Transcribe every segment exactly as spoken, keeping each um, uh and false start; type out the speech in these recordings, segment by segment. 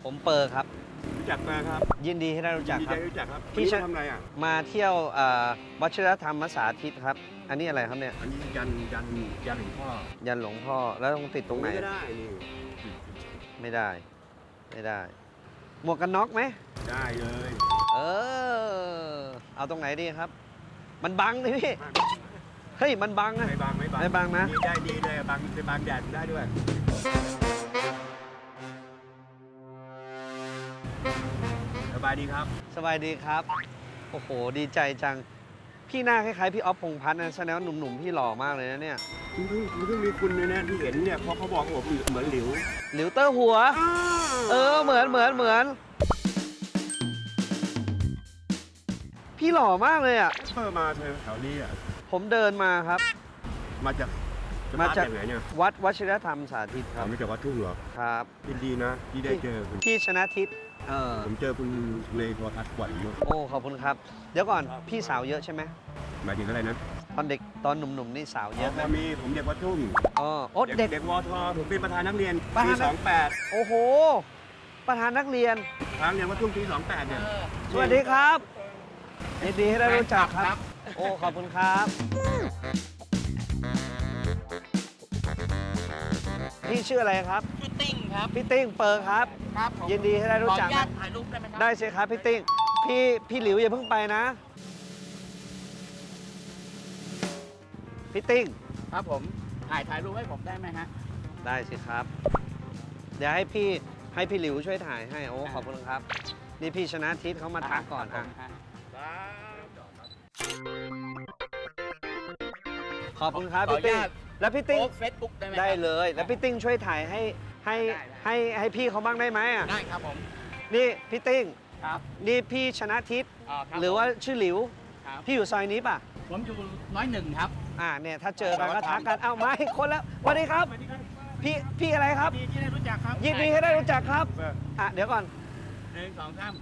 ผมเปอร์ครับรู้จักมาครับยินดีที่ได้รู้จักครับได้รู้จักครับพี่ทำอะไรอ่ะมาเที่ยววัชิรธรรมสาธิตครับอันนี้อะไรครับเนี่ยอันนี้ยันยันยันหลวงพ่อยันหลวงพ่อแล้วต้องติดตรงไหนไม่ได้นี่ไม่ได้ไม่ได้หมวกกันน็อกไหมได้เลยเออเอาตรงไหนดีครับมันบังเลยพี่เฮ้ยมันบังนะไม่บังไม่บังไม่บังนะได้ดีเลยบังไปบังแดดได้ด้วยสบายดีครับสบายดีครับโอ้โหดีใจจังพี่หน้าคล้ายๆพี่ออฟพงษ์พัฒน์นะแสดงว่าหนุ่มๆพี่หล่อมากเลยนะเนี่ยคุณเพิ่งคุณเพิ่งมีคุณเลยนะที่เห็นเนี่ยเพราะเขาบอกว่าผมเหมือนหลิวหลิวเตอร์หัวเออเหมือนเหมือนเหมือนพี่หล่อมากเลยอ่ะเพิ่มมาเธอแถวนี้อ่ะผมเดินมาครับมาจากมาจากไหนเนี่ยวัดวชิรธรรมสาธิตครับไม่จากวัดทุ่งเหรอครับยินดีนะที่ได้เจอคุณพี่ชนะทิศเออผมเจอคุณในโทรทัศน์บ่อยมากโอ้ขอบคุณครับเดี๋ยวก่อนพี่สาวเยอะใช่ไหมหมายถึงอะไรนะตอนเด็กตอนหนุ่มๆนี่สาวเยอะไหมมีผมเด็กวัดทุ่งอ๋อโอ้เด็กเด็กวทผมเป็นประธานนักเรียนปีสองแปดโอ้โหประธานนักเรียนทางเรียนวัดทุ่งปีสองแปดเนี่ยสวัสดีครับยินดีให้ได้รู้จักครับโอ้ขอบคุณครับพี่ชื่ออะไรครับพี่ติ้งครับพี่ติ้งเปิร์ครับครับยินดีให้ได้รู้จักขออนุญาตถ่ายรูปได้ไหมครับได้สิครับพี่ติ้งพี่พี่หลิวอย่าเพิ่งไปนะพี่ติ้งครับผมถ่ายถ่ายรูปให้ผมได้ไหมฮะได้สิครับเดี๋ยวให้พี่ให้พี่หลิวช่วยถ่ายให้โอ้ขอบคุณครับนี่พี่ชนะทิศเขามาทักก่อนอ่ะขอบคุณครับพี่ติ้งแล้วพี่ติ้งเฟซบุ๊กได้ไหมได้เลยแล้วพี่ติ้งช่วยถ่ายให้ให้ให้ให้พี่เขาบ้างได้ไหมอ่ะได้ครับผมนี่พี่ติ้งครับนี่พี่ชนะทิศหรือว่าชื่อหลิวพี่อยู่ซอยนี้ป่ะผมอยู่ร้อยหนึ่งครับอ่าเนี่ยถ้าเจอกันก็ทักกันเอ้ามาอีกคนแล้วสวัสดีครับพี่พี่อะไรครับยินดีที่ได้รู้จักครับยินดีให้ได้รู้จักครับอ่ะเดี๋ยวก่อนหนึ่งสองสาม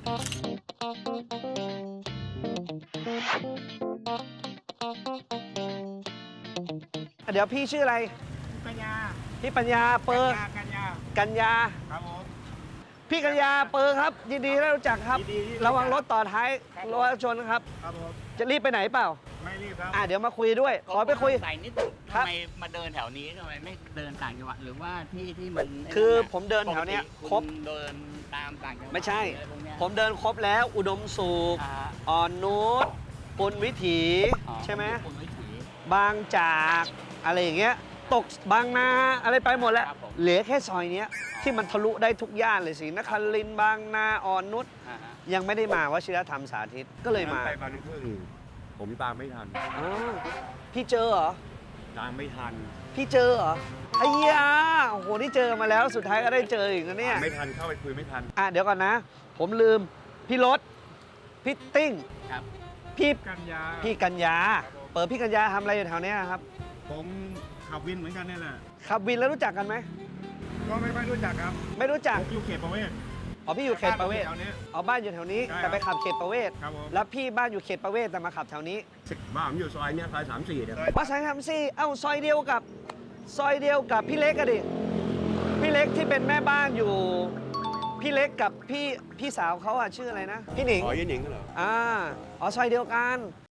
เดี๋ยวพี่ชื่ออะไรปัญญาพี่ปัญญาเปอร์กัญญากัญญาครับผมพี่กัญญาเปอร์ครับยินดีได้รู้จักครับระวังรถต่อท้ายรถชนครับครับผมจะรีบไปไหนเปล่าไม่รีบครับอ่ะเดี๋ยวมาคุยด้วยขอไปคุยใส่นิดนึงทำไมมาเดินแถวนี้ทำไมไม่เดินต่างจังหวัดหรือว่าที่ที่มันคือผมเดินแถวเนี้ยครบเดินตามต่างจังหวัดไม่ใช่ผมเดินครบแล้วอุดมสุขอ่อนนุชปุณวิถีใช่ไหมบางจากอะไรอย่างเงี้ยตกบางนาอะไรไปหมดแล้วเหลือแค่ซอยเนี้ยที่มันทะลุได้ทุกย่านเลยสินครินทร์บางนาอ่อนนุชยังไม่ได้มาวชิรธรรมสาธิตก็เลยมาไปบางพึ่งผมตามไม่ทันอ๋อพี่เจอเหรอตามไม่ทันพี่เจอเหรอไอ้ยาโอ้โหนี่เจอมาแล้วสุดท้ายก็ได้เจออีกนะเนี่ยไม่ทันเข้าไปคุยไม่ทันอ่ะเดี๋ยวก่อนนะผมลืมพี่รถพี่ติ้งครับพี่กัญญาพี่กัญญาเปิดพี่กัญญาทำอะไรอยู่แถวนี้ครับผมขับวินเหมือนกันนี่แหละขับวินแล้วรู้จักกันไหมก็ไม่ค่อยรู้จักครับไม่รู้จักอยู่เขตประเวศอ๋อพี่อยู่เขตประเวศอ๋อบ้านอยู่แถวนี้แต่ไปขับเขตประเวศแล้วพี่บ้านอยู่เขตประเวศแต่มาขับแถวนี้บ้านผมอยู่ซอยเนี้ยซอยสามสี่เนี่ยว่าซอยสามสี่เอ้าซอยเดียวกับซอยเดียวกับพี่เล็กอะดิพี่เล็กที่เป็นแม่บ้านอยู่พี่เล็กกับพี่พี่สาวเขาอะชื่ออะไรนะพี่หนิงอ๋อยี่หนิงเหรออ่าอ๋อซอยเดียวกัน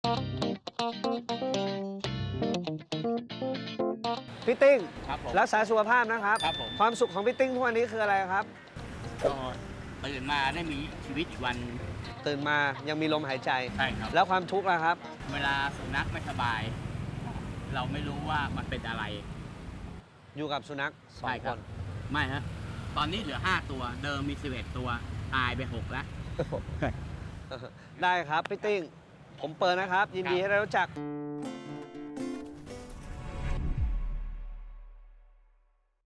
พี่ติ้งรักษาสุขภาพนะครับความสุขของพี่ติ้งทุกวันนี้คืออะไรครับก็ตื่นมาได้มีชีวิตอีกวันตื่นมายังมีลมหายใจใช่ครับแล้วความทุกข์ล่ะครับเวลาสุนัขไม่สบายเราไม่รู้ว่ามันเป็นอะไรอยู่กับสุนัขสองคนไม่ฮะตอนนี้เหลือห้าตัวเดิมมีสิบเอ็ดตัวตายไปหกแล้วได้ครับพี่ติ้งผมเปิดนะครับยินดีให้ได้รู้จัก